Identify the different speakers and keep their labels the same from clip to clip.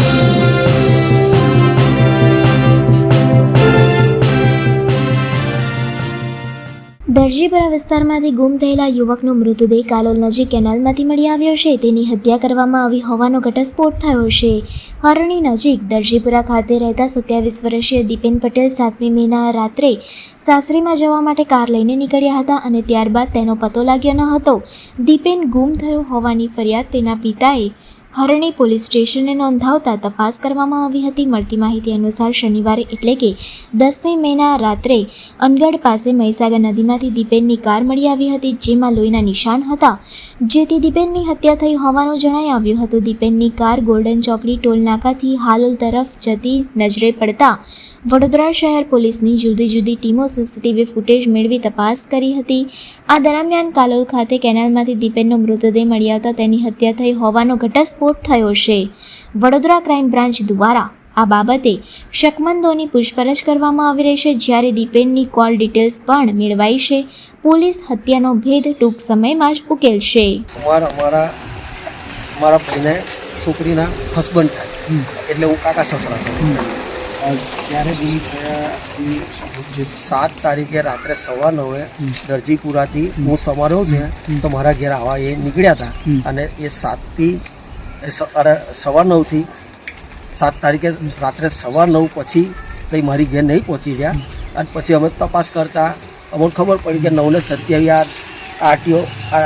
Speaker 1: દરજીપુરા વિસ્તારમાંથી ગુમ થયેલા યુવકનો મૃતદેહ કાલોલ નજીક કેનાલમાંથી મળી આવ્યો છે. તેની હત્યા કરવામાં આવી હોવાનો ઘટસ્ફોટ થયો છે. હરણી નજીક દરજીપુરા ખાતે રહેતા 27 વર્ષીય દીપેન પટેલ 7મી મેના રાત્રે સાસરીમાં જવા માટે કાર લઈને નીકળ્યા હતા અને ત્યારબાદ તેનો પતો લાગ્યો ન હતો. દીપેન ગુમ થયો હોવાની ફરિયાદ તેના પિતાએ હરણી પોલીસ સ્ટેશને નોંધાવતા તપાસ કરવામાં આવી હતી. મળતી માહિતી અનુસાર શનિવારે એટલે કે 10મી મેના રાત્રે અનગઢ પાસે મહીસાગર નદીમાંથી દીપેનની કાર મળી આવી હતી, જેમાં લોહીના નિશાન હતા, જેથી દીપેનની હત્યા થઈ હોવાનું જણાઈ આવ્યું હતું. દીપેનની કાર ગોલ્ડન ચોકડી ટોલ નાકાથી હાલોલ તરફ જતી નજરે પડતા વડોદરા શહેર પોલીસની જુદી જુદી ટીમો સીસીટીવી ફૂટેજ મેળવી તપાસ કરી હતી. આ દરમિયાન કાલોલ ખાતે કેનાલમાંથી દીપેનનો મૃતદેહ મળી આવતા તેની હત્યા થઈ હોવાનો ઘટસ્ફોટ થયો છે. વડોદરા ક્રાઇમ બ્રાન્ચ દ્વારા આ બાબતે શકમંદોની પૂછપરછ કરવામાં આવી રહી છે, જ્યારે દીપેનની કોલ ડિટેલ્સ પણ મેળવાઈ છે. પોલીસ હત્યાનો ભેદ ટૂંક સમયમાં જ ઉકેલશે.
Speaker 2: મારા ભાઈને છોકરીના હસબન્ડ થાય એટલે હું કાકા સસરા છું.
Speaker 3: ત્યારે ગુમ થયા
Speaker 2: 7 તારીખે રાત્રે 9:15 દરજીપુરાથી હું સમારોહ છે તો મારા ઘેર આવવા એ નીકળ્યા હતા અને એ 9:15 થી 7 તારીખે રાત્રે 9:15 પછી કંઈ મારી ઘેર નહીં પહોંચી રહ્યા. અને પછી અમે તપાસ કરતા અમને ખબર પડી કે 9:27 આરટીઓ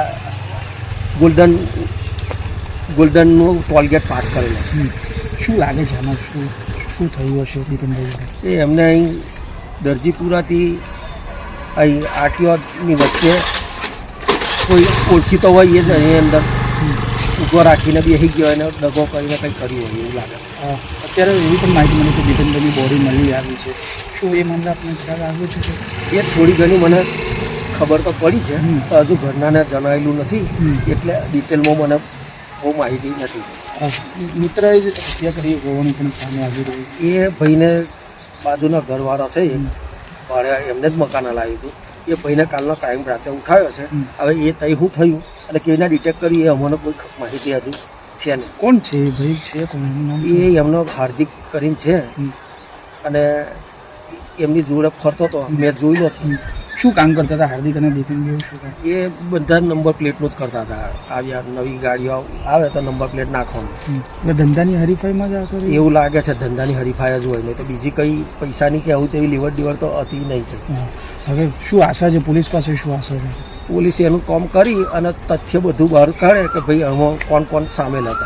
Speaker 2: ગોલ્ડનનું ટોલગેટ પાસ કરેલો છે.
Speaker 3: શું લાગે છે આમાં શું થયું હશે દીપેનભાઈ?
Speaker 2: એ એમને અહીં દરજીપુરાથી અહીં આરટીઓની વચ્ચે કોઈ ઓળખીતો હોય એ જ એની અંદર ઊભો રાખીને બેસી ગયો અને દગો કરીને કંઈ કર્યું હોય એવું લાગે.
Speaker 3: અત્યારે એવી પણ માહિતી મળી કે દીપેનભાઈની બોડી મળી આવી છે. શું એ મામલે આપણે ખ્યાલ આવ્યો છે?
Speaker 2: એ થોડી ઘણી મને ખબર તો પડી છે, હજુ ઘરનાને જણાવેલું નથી એટલે ડિટેલમાં મને બહુ માહિતી નથી.
Speaker 3: મિત્રએ જ હત્યા કરી હોવાનું પણ સામે આવી રહ્યું.
Speaker 2: એ ભાઈને બાજુના ઘરવાળો છે ભાડે એમને જ મકાન હલાવ્યું હતું. એ ભાઈને કાલનો ક્રાઇમ બ્રાન્ચે ઉઠાવ્યો છે. હવે એ તઈ શું થયું અને કેવી રીતના ડિટેક્ટ કર્યું એ અમને કોઈ માહિતી હજુ છે નહીં.
Speaker 3: કોણ છે એ ભાઈ? છે કોણ?
Speaker 2: એ એમનો હાર્દિક કરીને છે અને એમની જોડે ફરતો હતો, મેં જોયેલો છે.
Speaker 3: શું કામ કરતા હતા હાર્દિક અને દીપેનભાઈ? શું કામ?
Speaker 2: એ બધા નંબર પ્લેટનું જ કરતા હતા. આવ્યા નવી ગાડીઓ આવે તો નંબર પ્લેટ નાખવાનું.
Speaker 3: એટલે ધંધાની હરીફાઈમાં જ આવતો
Speaker 2: એવું લાગે છે. ધંધાની હરીફાઈ જ હોય નહીં તો બીજી કંઈ પૈસાની કે આવું તેવી લેવડ દેવડ તો હતી નહીં.
Speaker 3: હવે શું આશા છે પોલીસ પાસે? શું આશા છે?
Speaker 2: પોલીસ એનું કામ કરી અને તથ્ય બધું બહાર કાઢે કે ભાઈ આમાં કોણ કોણ સામેલ હતા.